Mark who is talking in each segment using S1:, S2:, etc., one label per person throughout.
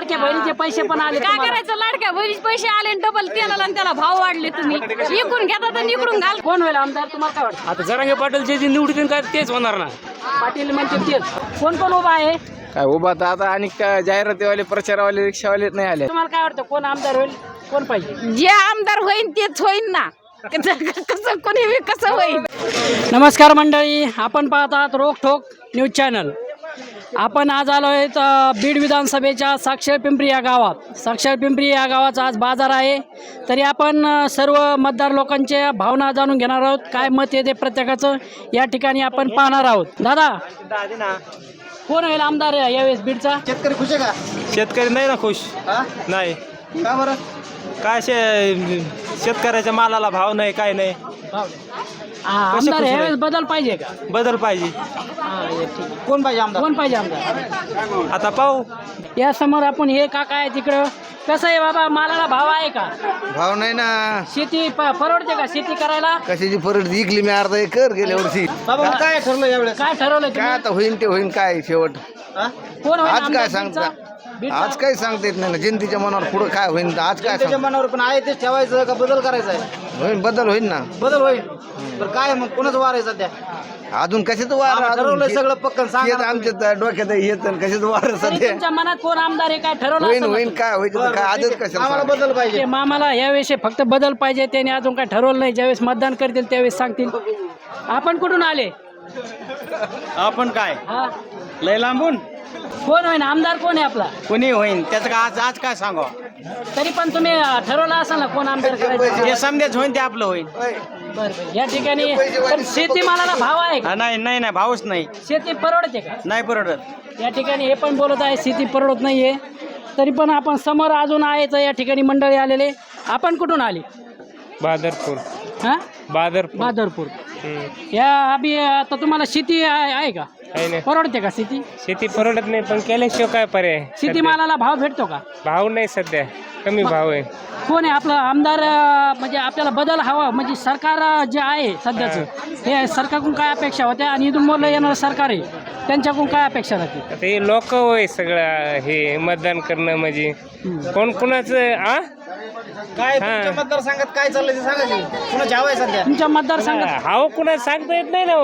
S1: लाडक्या बहिणीचे पैसे पण आले.
S2: काय करायचं, लाडक्या बहिणीचे पैसे आले डबल तेलाला आणि त्याला भाव वाढले. तुम्ही इकडून घेता तर इकडून घाल.
S1: कोण होईल आमदार तुम्हाला काय वाटतं?
S3: आता जरांगे पाटील जे निवडून काय तेच होणार ना.
S1: पाटील म्हणजे तेच. कोण कोण उभा आहे
S4: काय उभा तर आता आणि काय जाहिरातीवाले प्रचारवाले रिक्षावाले नाही आले.
S1: तुम्हाला काय वाटतं कोण आमदार होईल, कोण पाहिजे?
S2: जे आमदार होईन तेच होईन ना. कसं कोणी कसं होईल.
S1: नमस्कार मंडळी, आपण पाहत आहात रोकठोक न्यूज चॅनल. आपण आज आलो आहेत बीड विधानसभेच्या साक्षर पिंपरी या गावात. साक्षर पिंपरी या गावाचा आज बाजार आहे. तरी आपण सर्व मतदार लोकांच्या भावना जाणून घेणार आहोत. काय मत येते प्रत्येकाचं या ठिकाणी आपण पाहणार आहोत. दादा, कोण होईल आमदार यावेळेस बीडचा?
S4: शेतकरी खुश आहे का?
S3: शेतकरी नाही ना खुश. नाही
S4: का बरं?
S3: काय शेतकऱ्याच्या मालाला भाव नाही, काय नाही.
S1: आमदार यावेळेस बदल पाहिजे का?
S3: बदल पाहिजे.
S4: कोण पाहिजे आमदार?
S1: कोण पाहिजे आमदार?
S3: आता पाहू.
S1: या समोर आपण हे काका आहे तिकडं. कसं आहे बाबा, मालाला भाव आहे का?
S4: भाव नाही ना.
S1: शेती परवडते का शेती करायला?
S4: कशाची परत विकली मी अर्धा एकर गेल्या वर्षी.
S1: बाबा
S4: काय ठरलं यावेळेस?
S1: काय ठरवलं
S4: काय
S1: तुम्ही?
S4: आता होईन ते होईन, काय शेवट
S1: कोण होईल
S4: आज
S1: आमदार
S4: काय सांगता?
S1: बीडचा?
S4: आज काही सांगता येत नाही ना. जनतेच्या मनावर पुढं काय होईल आज काय सांगता?
S5: मनावर पण आहे तेच ठेवायचं का बदल करायचा आहे?
S4: होईल, बदल होईल ना.
S5: बदल होईल तर काय मग कोणाचं वार आहे सध्या?
S4: अजून कशाचं वार?
S5: आम्ही ठरवलंय सगळं पक्कन सांगा
S4: येत
S5: ना
S4: आमच्या डोक्यात येत कशाचं वार
S1: तरी
S4: सध्या.
S1: तुमच्या मनात कोण आमदार आहे काय ठरवलं
S4: होईन
S1: असेल ना?
S4: होईन, काय होईल काय आजच कशाला
S5: आम्हाला
S4: सांगा?
S5: बदल पाहिजे.
S1: ते मामाला यावेळेस फक्त बदल पाहिजे. त्याने अजून काय ठरवलं नाही. ज्यावेळेस मतदान करतील त्यावेळेस सांगतील. आपण कुठून आले?
S3: आपण काय
S1: हा,
S3: लय लांबून
S1: कोण होईन आमदार? कोण आहे आपला?
S3: कोणी होईन त्याचं का आज आज काय सांगा.
S1: तरी पण तुम्ही ठरवलं असाल ना कोण आमदार करायचं?
S3: जे समजेच होईन ते आपलं होईल.
S1: बरं, या ठिकाणी पण शेतीमालाला भाव आहे का?
S3: नाही नाही नाही, भावच नाही.
S1: शेती परवडते का?
S3: नाही परवडत.
S1: या ठिकाणी हे पण बोलत आहे शेती परवडत नाहीये. तरी पण आपण समोर अजून आहेच या ठिकाणी मंडळी आलेले. आपण कुठून आले?
S3: बादरपूर.
S1: हा,
S3: बादरपूर.
S1: बहादरपूर. या अभि आता तुम्हाला शेती आहे का? परवडते का शेती?
S3: शेती परवडत नाही, पण केल्याशिवाय काय पर्याय.
S1: शेतीमालाला भाव भेटतो का?
S3: भाव नाही सध्या, कमी भाव आहे.
S1: कोण आहे आपला आमदार? म्हणजे आपल्याला बदल हवा, म्हणजे सरकार जे आहे सध्याचं हे सरकारकडून काय अपेक्षा होत्या आणि इथून मोठं येणारं सरकार आहे त्यांच्याकडून काय अपेक्षा राहते?
S3: आता हे लोक होय सगळं हे मतदान करणं म्हणजे कोण कुणाचं
S5: काय तुमच्या मतदारसंघात काय चाललंय ते सांगा की. कुणाची हवा आहे सध्या?
S1: तुमच्या मतदारसंघात
S3: हाव कुणा सांगता येत नाही ना.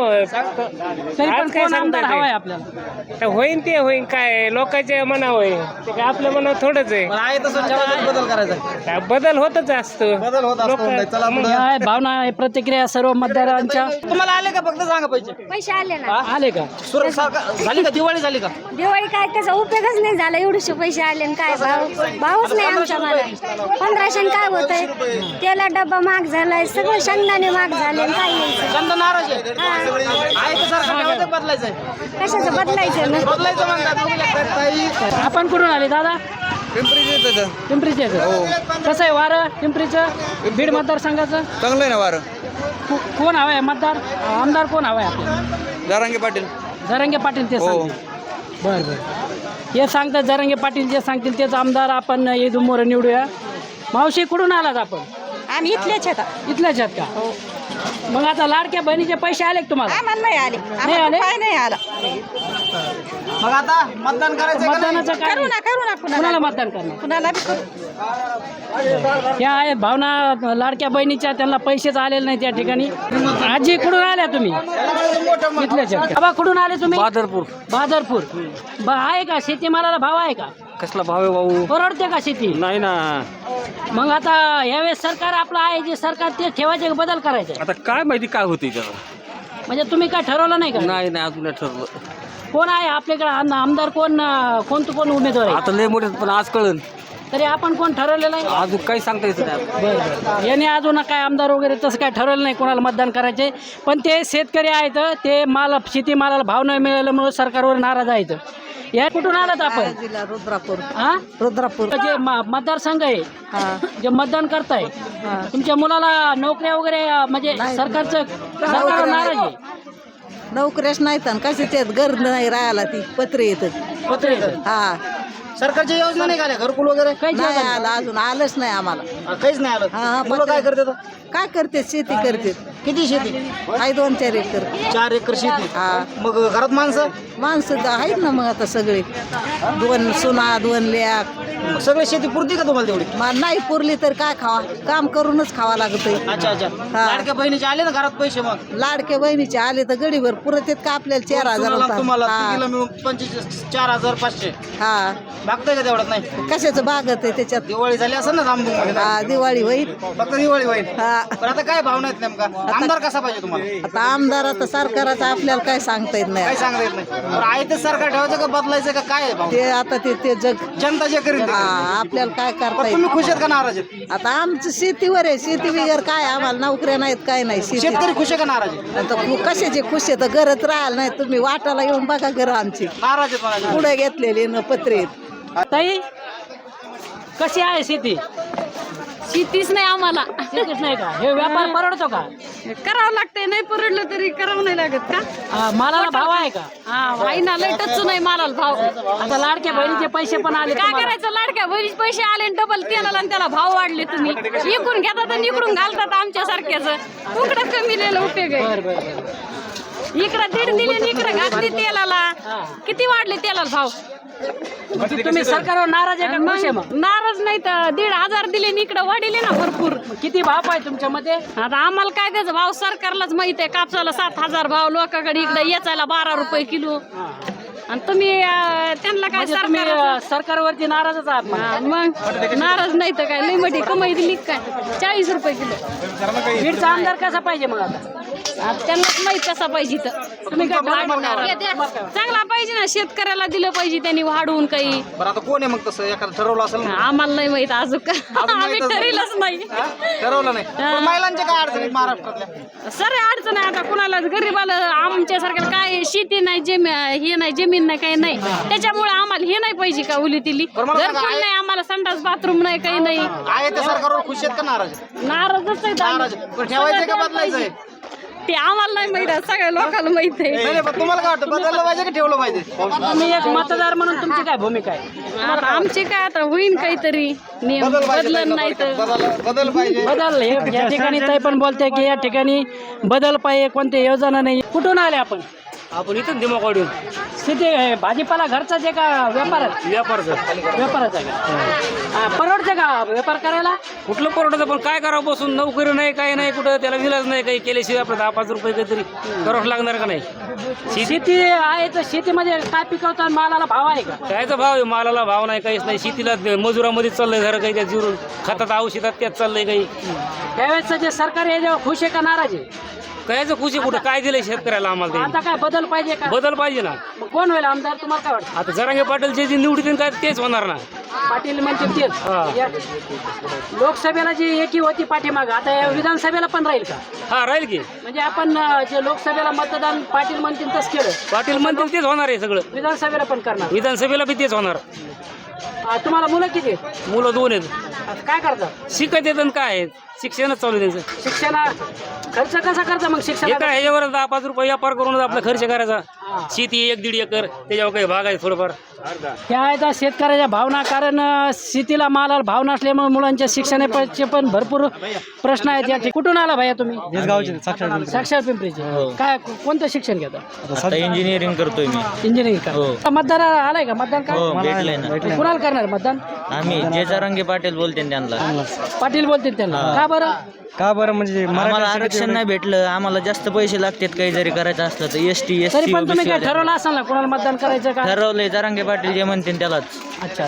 S1: तरी पण
S3: आज काय
S1: कोण आमदार
S3: सांगता
S1: हवा आहे
S3: येते?
S1: आपल्याला?
S3: तर होईन ते होईन, काय लोकांच्या मनावर आहे ते, काय आपल्या मनावर थोडंच आहे.
S5: पण आहे तसं ठेवायचं, बदल करायचा आहे.
S3: काय बदल होतच असतो.
S5: बदल होत असतो. चला पुढं.
S1: या आहे भावना आहे, प्रतिक्रिया सर्व मतदारांच्या.
S5: तुम्हाला आले का फक्त सांगा पैसे?
S6: पैसे आले ना.
S1: आले का?
S5: झाली का दिवाळी झाली का?
S6: दिवाळी काय त्याचा उपयोगच नाही झाला. एवढेशे पैसे आले आणि काय भावच नाही आमच्या मला. 1500 काय होतंय? तेला डब्बा महाग झालाय, सगळं शेंगदाणे महाग झाले. काय यायचं?
S5: जनता नाराज आहे.
S6: हा.
S5: आहे तर सरकार ठेवायचं, बदलायचं आहे.
S6: कशाचं बदलायचं ना?
S5: बदलायचं म्हणतात. बघू लागतात ताई.
S1: आपण कुठून आले दादा?
S4: पिंपरीचे
S1: पिंपरीचे. कसं आहे वारं पिंपरीचं बीड मतदारसंघाचं?
S4: चांगलं आहे ना वारं.
S1: कोण हवं आहे मतदार? आमदार कोण हवं आहे आपल्याला?
S4: जारांगे पाटील.
S1: जरांगे पाटील ते सांगतील. बरं बरं, हे सांगतात जरांगे पाटील जे सांगतील तेच आमदार आपण इथून मोर निवडूया. मावशी कुठून आलात आपण?
S2: आम्ही इथलेच आहेत.
S1: इथल्याच आहेत का? मग आता लाडक्या बहिणीचे पैसे आले का तुम्हाला?
S2: आम्हाला नाही आले.
S1: नाही आले?
S2: काय नाही आला.
S5: मग आता मतदान करायचं का नाही?
S1: मतदानाचं काय?
S2: करू ना
S1: कुणाला मतदान करणार?
S2: कुणाला बी करू.
S1: या आहेत भावना लाडक्या बहिणीच्या, त्यांना पैसेच आलेले नाही त्या ठिकाणी. आजी कुठून आल्या तुम्ही? इथल्याच आहेत का? बाबा कुठून आले तुम्ही? बहादरपूर. आहे का शेतीमालाला भाव आहे का?
S3: कसला भाव आहे भाऊ?
S1: परवडते का शेती?
S3: नाही ना.
S1: मग आता यावेळेस सरकार आपलं आहे जे सरकार ते ठेवायचे का बदल करायचे?
S3: आता काय माहिती काय होते त्याला.
S1: म्हणजे तुम्ही काय ठरवलं नाही का?
S3: नाही नाही, अजून नाही ठरलं.
S1: कोण आहे आपल्याकडे आमदार? कोण उमेदवार आहे?
S3: आता लय मोठे, पण आज कळन.
S1: तरी आपण कोण ठरवलेलं आहे?
S3: अजून काही सांगता येत नाही.
S1: बरं. याने अजून काय आमदार वगैरे तसं काय ठरवलं नाही कोणाला मतदान करायचे. पण ते शेतकरी आहेत, ते शेतीमालाला भाव न मिळाल्यामुळे सरकारवर नाराज आहेत. या कुठून आलात आपण?
S2: रुद्रापूर.
S1: हा,
S2: रुद्रापूर.
S1: जे मतदारसंघ आहे जे मतदान करताय, तुमच्या मुलाला नोकऱ्या वगैरे म्हणजे सरकारवर नाराज आहे.
S2: नोकऱ्याच नाहीत आणि कशाच्यात गरज नाही राहायला. ती पत्रे येतात.
S1: पत्र
S2: हा.
S5: सरकारची योजना नाही का? घरकुल वगैरे
S1: काही
S2: नाही आलं, अजून आलंच नाही आम्हाला.
S5: काहीच नाही आलं.
S2: हा,
S5: मुलं काय करतात?
S2: काय करते? शेती करते.
S5: किती शेती
S7: आहे 2-4 एकर.
S5: 4 एकर शेती.
S7: हा.
S5: मग घरात माणसं
S7: माणसं तर आहेत ना मग आता सगळे 2 सुना 2 लेक.
S5: मग सगळी शेती पुरती का तुम्हाला तेवढी?
S7: नाही पुरली तर काय खावा, काम करूनच खावा लागतंय.
S5: अच्छा अच्छा. लाडक्या बहिणीचे आले ना घरात पैसे मग?
S7: लाडके बहिणीचे आले तर गडीभर पुरत येत का आपल्याला 4,000
S5: तुम्हाला तुम्हाला
S7: हा.
S5: तिघीला मिळून 4,500.
S7: हा
S5: भागतंय का तेवढ्यात? नाही.
S7: कशाचं बागत आहे त्याच्यात.
S5: दिवाळी झाली असं ना जांबू मध्ये?
S7: हा दिवाळी होईल.
S5: फक्त दिवाळी होईल.
S7: हा
S5: पण आता काय भावना आहेत नेमका? आमदार कसा पाहिजे तुम्हाला?
S7: आता आमदार आता सरकाराचं आपल्याला काय सांगता येत
S5: काय
S7: नाही.
S5: सांगता येत नाही. पण आहे ते सरकार ठेवायचं का बदलायचं का काय आहे भावना?
S7: ते आता ते जग
S5: जनता जे करीत
S7: हा आपल्याला काय करता
S5: पण
S7: येत.
S5: तुम्ही खुश आहेत का नाराज आहेत?
S7: आता आमचं शेतीवर आहे, शेती बिगर काय आम्हाला नोकऱ्या नाहीत काय नाही. शेती
S5: शेतकरी खुश आहे का नाराज आहेत?
S7: आता कशाचे खुश आहे तर घरच राहायला नाही. तुम्ही वाटाला येऊन बघा घर आमची
S5: नाराज आहेत म्हणाले.
S7: पुढे घेतलेली न पत्रे.
S1: ताई कशी आहे शेती?
S2: शेतीच नाही आम्हाला.
S1: शेतीच नाही का? हे व्यापार परवडतो का?
S2: करावं लागतंय, नाही परवडलं तरी करावं नाही लागत का?
S1: मालाला भाव आहे का?
S2: हा आई ना लय टच नाही मालाला भाव.
S1: आता लाडक्या बहिणीचे पैसे पण आले
S2: काय
S1: तुम्हाला.
S2: करायचं, लाडक्या बहिणीचे पैसे आले डबल तेलाला आणि त्याला भाव वाढले. तुम्ही इकडून घेतात आणि इकडून घालतात आमच्या सारख्याच. कुकडं कमी लिहिलं उपयोग आहे.
S1: बरं, बरं, बरं.
S2: इकडं 1.5 दिले आणि इकडं घातली तेलाला. किती वाढले तेलाला भाव?
S1: म्हणजे तुम्ही सरकारवर नाराज आहे का खुश आहे मग?
S2: नाराज नाही तर 1,500 दिले आणि इकडं वाढले ना भरपूर.
S1: किती भाव आहे तुमच्या मध्ये?
S2: आता आम्हाला काय त्याचा भाव सरकारलाच माहित आहे. कापसाला 7,000 भाव, लोकांकडे इकडे याचायला 12 रुपये किलो. आणि तुम्ही त्यांना काय
S1: म्हणजे तुम्ही
S2: सरकार
S1: सरकारवरती नाराजच आहात म्हणा.
S2: मग नाराज नाही तर काय, लई मोठी कमाई दिली काय? 40 रुपये किलो.
S1: बीडचा आमदार कसा पाहिजे मग आता?
S2: आता त्यांनाच माहित कसा पाहिजे तर.
S1: तुम्ही काय
S2: चांगला पाहिजे ना, शेतकऱ्याला दिलं पाहिजे त्यांनी वाढवून काही.
S5: बरं आता कोण आहे मग तसं एखादं ठरवलं असेल ना?
S2: आम्हाला नाही माहित अजून का. आम्ही
S5: माहीतच नाही.
S2: ठरवलंच नाही.
S5: हा? ठरवलं नाही. पण महिलांच्या काय अडचणी आहेत महाराष्ट्रातल्या?
S2: सर अडचण आहे आता कुणाला गरीबाला. आमच्यासारख्या काय शेती नाही, हे नाही, जमीन नाही, काही नाही. त्याच्यामुळे आम्हाला हे नाही पाहिजे का उली तिली.
S5: बरं मला सांगा,
S2: घरकुल नाही आम्हाला, संडास बाथरूम नाही, काही नाही.
S5: आहे ते सरकारवर खुश आहेत का नाराज आहेत?
S2: नाराजच आहे
S5: नाराज आहेत. पण ठेवायचंय का बदलायचंय?
S2: ते आम्हाला नाही माहित आहे, सगळ्या लोकांना माहित आहे.
S5: नाही पण तुम्हाला काय वाटतं, बदललं पाहिजे की ठेवलं पाहिजे?
S1: तुम्ही एक मतदार म्हणून तुमची काय भूमिका आहे?
S2: आता आमचे काय आता होईन काहीतरी नियम, बदलन नाही तर.
S5: बदल पाहिजे.
S1: बदल या ठिकाणी ताई पण बोलते की या ठिकाणी बदल पाहिजे, कोणत्या योजना नाही. कुठून आले आपण?
S3: आपण इथं दिमागवाडून
S1: शेती भाजीपाला घरचाच आहे का व्यापारात? व्यापाराचा आहे का? परवडते का व्यापार करायला?
S3: कुठलं परवडतं, पण काय करावं, बसून नोकरी नाही, काही नाही, कुठं त्याला विलाज नाही, काही केल्याशिवाय आपलं 10-5 रुपये काहीतरी करावं लागणार का नाही?
S1: शेती आहे तर शेतीमध्ये काय पिकवतात, मालाला भाव आहे का?
S3: कायचा भाव आहे? मालाला भाव नाही, काहीच नाही. शेतीला मजुरामध्ये चाललंय जरा काही, त्या जिरून खतात औषधात त्यात चाललंय काही.
S1: त्यावेळेस जे सरकार आहे जेव्हा खुश आहे का नाराज आहे?
S3: कायचं खुशी कुठं? काय दिलंय शेतकऱ्याला आम्हाला ते?
S1: आता काय बदल पाहिजे का?
S3: बदल पाहिजे ना.
S1: मग कोण होईल आमदार तुम्हाला काय वाटतं?
S3: आता जरांगे पाटील जे निवडतील काय तेच होणार ना.
S1: पाटील म्हणते तेच. या लोकसभेला जी एकी होती पाठीमाग, आता या विधानसभेला पण राहील का?
S3: हा, राहील की.
S1: म्हणजे आपण जे लोकसभेला मतदान पाटील म्हणतील तसं केलं,
S3: पाटील म्हणतील तेच होणार आहे सगळं.
S1: विधानसभेला पण करणार.
S3: विधानसभेला बी तेच होणार.
S1: तुम्हाला मुलं किती आहेत?
S3: मुलं 2 आहेत.
S1: आता काय करतात?
S3: शिकत येतात काय आहेत, शिक्षणच चालू आहे त्यांचं.
S1: शिक्षणा खर्च कसा करता मग
S3: हे
S1: शिक्षण?
S3: काय ह्याच्यावर 10-5 रुपये व्यापार करून आपला खर्च करायचा. शेती 1-1.5 एकर, त्याच्यावर काही भाग आहे थोडंफार.
S1: ह्या आहेत शेतकऱ्याच्या भावना, कारण शेतीला मालाला भाव नसल्यामुळे मुलांच्या शिक्षणाचे पण भरपूर प्रश्न आहेत. या कुठून आला भैया तुम्ही?
S8: गावचे
S1: साक्षर पिंपरीचे. काय कोणतं शिक्षण घेता?
S8: इंजिनिअरिंग करतोय मी.
S1: इंजिनिअरिंग का? मतदार आलाय का? मतदान काय
S8: भेटलंय ना.
S1: कुणाला करणार मतदान?
S8: आम्ही जे जरांगे पाटील बोलते त्यांना.
S1: पाटील बोलतील त्यांना. का बरं?
S8: का बरं म्हणजे आम्हाला आरक्षण नाही भेटलं, आम्हाला जास्त पैसे लागतात काही जरी करायचं असलं तर. एसटी
S1: तरी पण तुम्ही काय ठरवलं असाल ना कुणाला मतदान करायचं का?
S8: ठरवलंय, जरांगे पाटील जे म्हणते त्यालाच.
S1: अच्छा.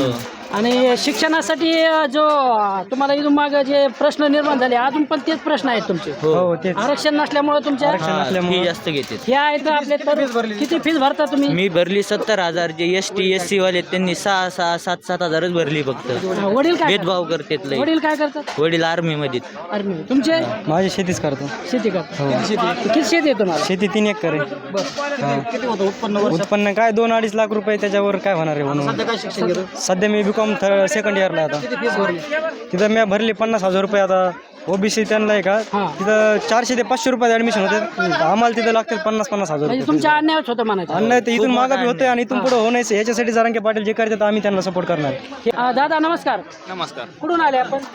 S1: आणि शिक्षणासाठी जो तुम्हाला इथून माग जे प्रश्न निर्माण झाले, अजून पण तेच प्रश्न आहेत तुमचे. आरक्षण नसल्यामुळे तुमच्या
S8: फी जास्त घेते.
S1: हे आहेत आपले. किती फीस भरता तुम्ही?
S8: मी भरली 70,000. जे एसटी SC वाले त्यांनी 6-6, 7-7 भरली फक्त.
S1: वडील काय
S8: भेदभाव करतात लय.
S1: वडील काय करतात?
S8: वडील आर्मी मध्ये.
S1: आर्मी. तुमचे?
S8: माझी शेतीच करतो.
S1: शेती करता. किती शेती आहे तुम्हाला?
S8: शेती 3 एकर आहे.
S5: किती होतं उत्पन्न वर्ष?
S8: उत्पन्न काय 2-2.5 लाख रुपये, त्याच्यावर काय होणार आहे म्हणून.
S5: सध्या काय शिक्षण घेतो?
S8: सध्या मी BCom सेकंड इयरला आता.
S5: किती फीस भरली?
S8: तिथं मी भरली 50,000 रुपये. आता OBC त्यांना आहे का तिथं 400 ते 500 रुपयात ऍडमिशन होते. आम्हाला तिथं लागतात 50,000
S1: म्हणजे
S8: रुपये.
S1: तुमच्या अन्यायच होतं म्हणायचं.
S8: अन्याय ते इथून मागा बी होते आणि इथून पुढे होण्याचं. याच्यासाठी जरांगे पाटील जे करतात आम्ही त्यांना सपोर्ट करणार.
S1: दादा नमस्कार.
S4: नमस्कार.
S1: कुठून आले आपण?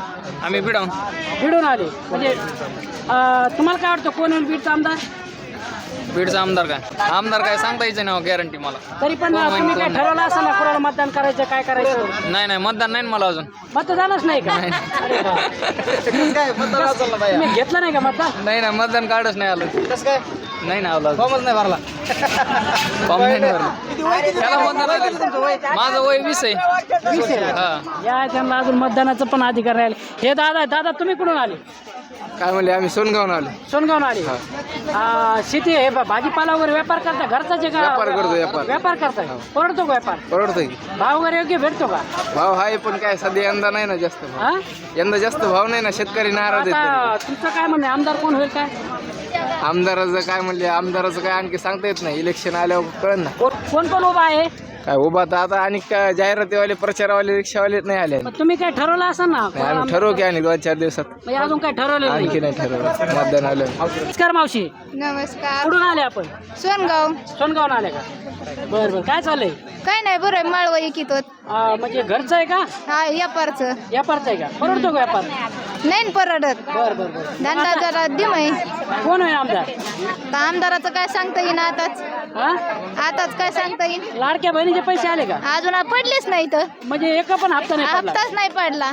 S4: आम्ही बिडाऊन
S1: बीडून आले म्हणजे तुम्हाला काय वाटतं कोण होईल बीडचा आमदार?
S4: बीडचा आमदार काय सांगता यायचं नाही गॅरंटी मला.
S1: तरी पण तुम्ही काय ठरवलं असेल ना कोणाला मतदान करायचं काय करायचं?
S4: नाही मतदान नाही मला अजून.
S1: मतदानच नाही का? अरे वा.
S5: काय मतदान चाललं बाया
S1: तुम्ही घेतलं नाही का मतदान?
S4: नाही मतदान कार्डच नाही आलं.
S5: कसं काय
S4: नाही ना आलं
S5: फॉर्मच नाही भरला
S4: फॉर्म नाही भरला. त्याला मतदान आलं. माझं वय 20 आहे.
S1: 20 आहे.
S4: हा
S1: या त्यांना अजून मतदानाचं पण अधिकार राहील. हे दादा तुम्ही कुठून आले?
S4: काय म्हणले आम्ही सोनगावून आलो.
S1: सोनगावून आले. शेती हे भाजीपाला वगैरे व्यापार करता घरचाच आहे का?
S4: व्यापार करतो,
S1: व्यापार करताय. परवडतो का व्यापार?
S4: परवडतोय की.
S1: भाव वगैरे योग्य भेटतो का?
S4: भाव आहे पण काय सध्या यंदा नाही ना जास्त भाव.
S1: हा?
S4: यंदा जास्त भाव नाही ना, शेतकरी नाराज आहेत.
S1: आता तुमचं काय म्हणणं आहे? आमदार कोण होईल काय?
S4: आमदाराचं काय म्हणले आमदाराचं काय आणखी सांगता येत नाही. इलेक्शन आल्यावर कळन ना
S1: कोण उभा आहे?
S4: काय उभा तर आता आणि काय जाहिरातीवाले प्रचारवाले रिक्षावाले नाही आले.
S1: मग तुम्ही काय ठरवलं असाल ना?
S4: नाही, आम्ही ठरवू की आणि 2-4 दिवसात.
S1: म्हणजे अजून काय ठरवलं नाही?
S4: आणखी नाही ठरवलं मतदान आलं.
S1: नमस्कार मावशी,
S6: नमस्कार.
S1: कुठून आले आपण?
S6: सोनगाव.
S1: सोनगावून आले का? बरं काय चाललंय?
S6: काय नाही बरं माळवा इकित होत.
S1: म्हणजे घरचं आहे का?
S6: हा व्यापारचं
S1: व्यापारचं आहे का? परवडतो का व्यापार?
S6: नाही परवडत.
S1: बरं
S6: धंदा जरा दिमाई.
S1: कोण आहे आमदार?
S6: तर आमदाराचं काय सांगता येईन आताच.
S1: हा?
S6: आताच काय सांगता येईन.
S1: लाडक्या बहिणीचे पैसे आले का?
S6: अजून पडलेच नाही तर
S1: म्हणजे एक पण हप्ता नाही पडला.
S6: हप्ताच नाही पडला.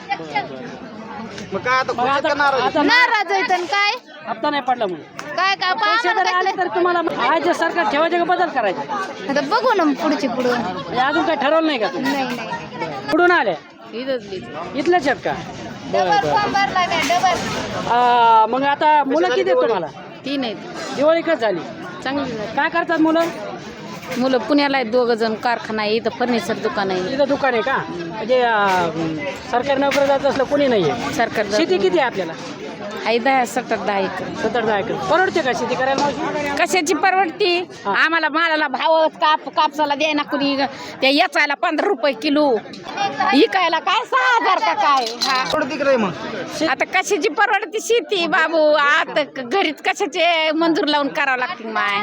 S5: मग काय आता
S1: मग आता
S6: नाराज आहे तर काय
S1: हप्ता नाही पडला म्हणून
S6: काय काय
S1: पैसे जर आले तर तुम्हाला आज सरकार ठेवायचे का बदल करायचे?
S6: आता बघू ना पुढची पुढं.
S1: म्हणजे अजून काय ठरवलं नाही का तुम्ही?
S6: नाही
S1: कुठून आले? इथलेच आहेत का?
S6: डबल फॉर्म भरला काय डबल.
S1: मग आता मुलं किती आहेत तुम्हाला?
S2: 3 आहेत.
S1: दिवाळी कच झाली.
S2: चांगली
S1: काय करतात मुलं?
S2: मुलं पुण्याला आहेत, 2 जण. कारखाना आहे, इथं फर्निचर दुकान आहे.
S1: इथं दुकान आहे का? म्हणजे सरकारी नोकरी जात असलं कोणी नाही आहे.
S2: सरकार
S1: शेती किती आहे आपल्याला?
S2: आहे 10-17 एकर.
S1: 17-10 एकर. परवडते का शेती करायला मावशी?
S2: कशाची परवडती? आम्हाला मालाला भाव कापसाला द्यायना कुणी. त्या याचायला 15 रुपये किलो, इकायला काय 6,000 का काय. हा
S5: तिकडे मग
S2: आता कशाची परवडती शेती बाबू? आता घरीच कशाचे मंजूर लावून करावं लागतील माय.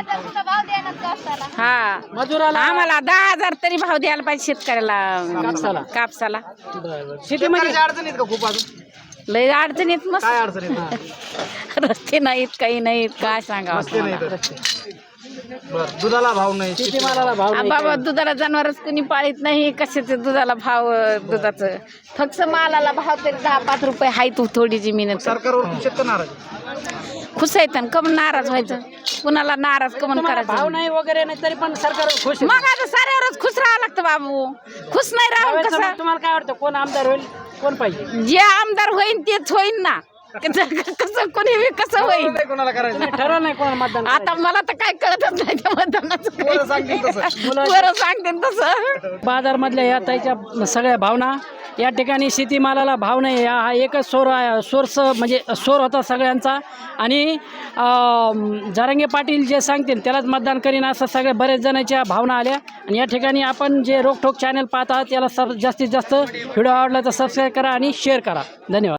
S2: हा
S1: मजुराला
S2: आम्हाला 10,000 तरी भाव द्यायला पाहिजे शेतकऱ्याला कापसाला.
S1: शेतीमध्ये
S5: अडचणीत का खूप अजून
S2: लय अडचणीत मस्त.
S5: काय अडचणीत?
S2: रस्ते नाहीत, काही नाहीत, काय सांगावं.
S5: बरं दुधाला भाव नाही.
S1: शेतीमालाला भाव नाही.
S2: बाबा दुधाला जनावरच कुणी पाळीत नाही. कशाचं दुधाला भाव? दुधाचं फक्त मालाला भाव तरी 10-5 रुपये आहे. तू थोडी जमीन
S5: सरकारवर शेतकरी नाराज आहे.
S2: खुश आहेत आणि कम नाराज व्हायचं. कुणाला नाराज कमन
S1: तुम्हाला भाव
S2: करायचं?
S1: नाही वगैरे नाही तरी पण सरकार खुश आहे.
S2: मग आता साऱ्यावरच खुश राहावं लागतं बाबू. खुश नाही राहून
S1: त्यावेळेस
S2: कसं?
S1: मग तुम्हाला काय वाटतं कोण आमदार होईल, कोण पाहिजे?
S2: जे आमदार होईन तेच होईन ना. कसं कोणी बी कसं होईल?
S5: नाही कोणाला करायचं
S1: तुम्ही ठरवलं नाही कोणाला मतदान
S2: आता मला तर काय कळतच नाही त्या मतदानाचं काही. बरं सांगते तसं.
S1: बाजारमधल्या या ताईच्या सगळ्या भावना या ठिकाणी शेतीमालाला भाव नाही. हा एकच सोर्स म्हणजे सोर होता सगळ्यांचा. आणि जरांगे पाटील जे सांगतील त्यालाच मतदान करीन असं सगळ्या बरेच जणांच्या भावना आल्या. आणि या ठिकाणी आपण जे रोकठोक चॅनल पाहत आहात याला जास्तीत जास्त व्हिडिओ आवडला तर सबस्क्राईब करा आणि शेअर करा. धन्यवाद.